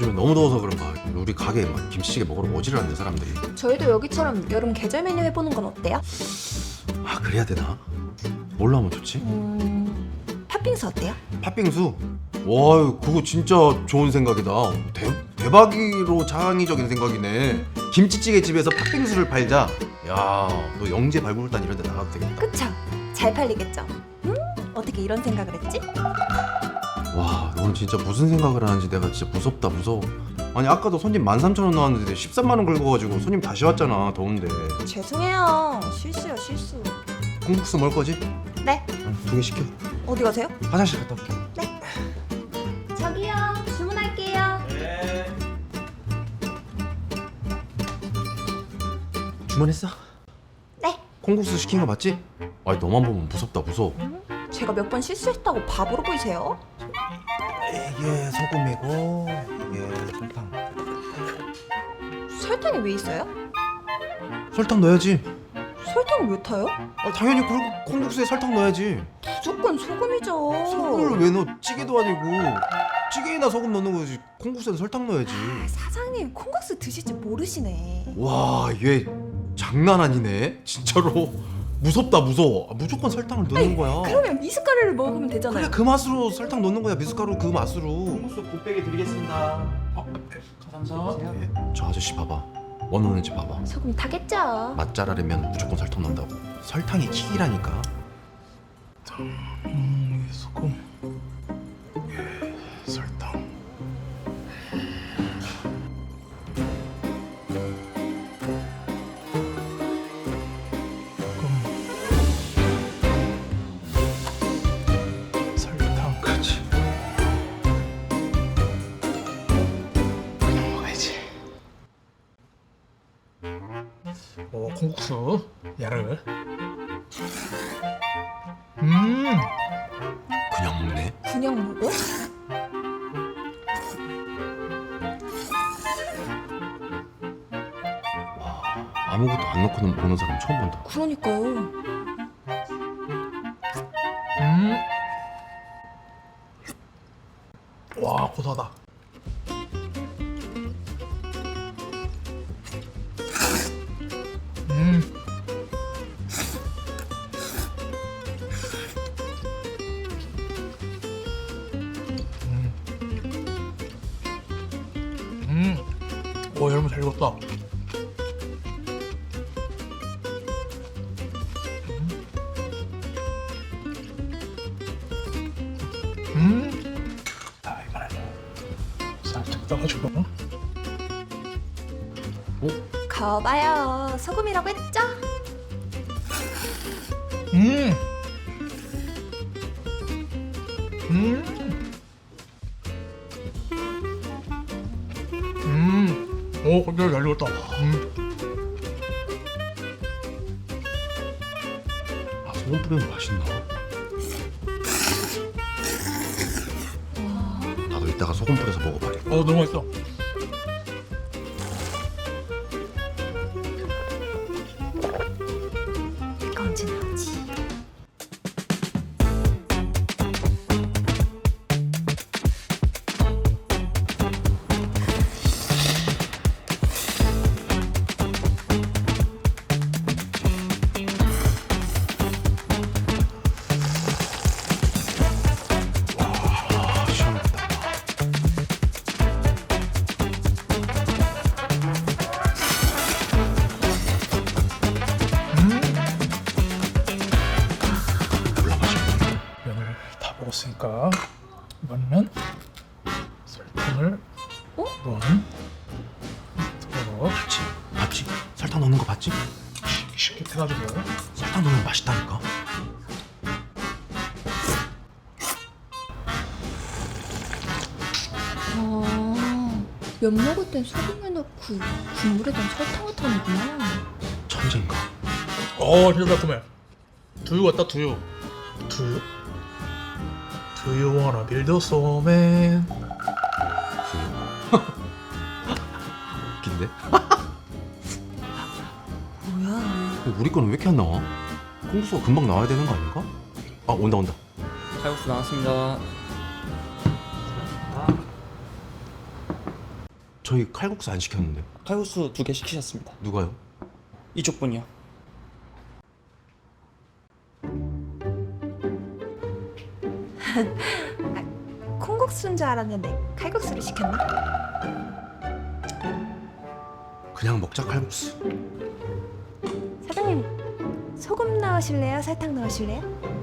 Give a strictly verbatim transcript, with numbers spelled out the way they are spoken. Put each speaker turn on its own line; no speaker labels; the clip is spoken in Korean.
요즘에 너무 더워서 그런가 우리 가게에 막 김치찌개 먹으러 오지를 않는 사람들이.
저희도 여기처럼 여름 계절 메뉴 해보는 건 어때요?
아 그래야 되나? 뭘로 하면 좋지?
음... 팥빙수 어때요?
팥빙수? 와 그거 진짜 좋은 생각이다. 대, 대박이로 창의적인 생각이네. 김치찌개 집에서 팥빙수를 팔자. 야 너 영재 발굴단 이런 데 나가도 되겠다.
그쵸? 잘 팔리겠죠? 음? 어떻게 이런 생각을 했지?
와 넌 진짜 무슨 생각을 하는지 내가 진짜 무섭다 무서워. 아니 아까도 손님 만 삼천 원 나왔는데 십삼만 원 긁어가지고 손님 다시 왔잖아. 더운데.
죄송해요. 실수요 실수.
콩국수 먹을 거지?
네.
두 개 시켜.
어디 가세요?
화장실 갔다 올게.
네. 저기요. 주문할게요.
주문했어?
네.
콩국수 시킨 거 맞지? 아니 너만 보면 무섭다 무서워.
제가 몇 번 실수했다고 바보로 보이세요?
이게 소금이고 이게 설탕.
설탕이 왜 있어요?
설탕 넣어야지.
설탕을 왜 타요?
아, 당연히 그 콩국수에 설탕 넣어야지.
무조건 소금이죠.
소금을 왜 넣어? 찌개도 아니고 찌개에나 소금 넣는 거지. 콩국수에는 설탕 넣어야지.
아, 사장님 콩국수 드실 줄 모르시네.
와, 얘 장난 아니네. 진짜로 무섭다 무서워. 아, 무조건 설탕을 넣는 거야.
그러면 미숫가루를 먹으면 되잖아요.
그래 그 맛으로 설탕 넣는 거야. 미숫가루 그 맛으로.
콩국수 곱빼기 드리겠습니다. 어, 감사합니다.
예, 저 아저씨 봐봐. 뭐 넣는지 봐봐.
소금이 타겠죠.
맛 잘하려면 무조건 설탕 넣는다고. 설탕이 킥이라니까.
음, 소금. 예, 설탕. 소금. 설탕. 그렇지. 그냥 먹어야지. 오, 콩국수. 야를. 음.
그냥 먹네.
그냥 먹어?
아무것도 안 넣고는 먹는 사람 처음 본다.
그러니까요.
음. 와, 고소하다. 음. 음. 음. 오, 여러분 잘 익었다. 음. 자, 이번에 살짝 떠가지고.
어?
거봐요. 소금이라고 했죠?
음. 음. 음. 오, 근데 잘 익었다. 음.
아 소금 뿌리면 맛있나? 나도 이따가 소금 뿌려서 먹어봐야겠다.
어, 너무 맛있어.
이거 언제 나오지?
아 시원하다. 몰라 맛있네.
면을 다 먹었으니까 이번에는 설탕을
어?
넣은 거
봤지? 봤지? 설탕 넣는 거 봤지?
쉽게 해가지고
설탕 넣으면 맛있다니까.
아, 면 먹을 땐 소금을 넣고 국물에던 설탕을 타는구나.
천재인가?
어, 진짜 달콤해. 두유 같다, 두유. 두유? Do you wanna build a snowman?
웃긴데?
뭐야?
우리 거는 왜 이렇게 안 나와? 콩국수가 금방 나와야 되는 거 아닌가? 아 온다 온다.
칼국수 나왔습니다.
저희 칼국수 안 시켰는데.
칼국수 두 개 시키셨습니다.
누가요?
이쪽 분이요.
콩국수인 줄 알았는데 칼국수를 시켰나?
그냥 먹자 칼국수.
사장님 소금 넣으실래요? 설탕 넣으실래요?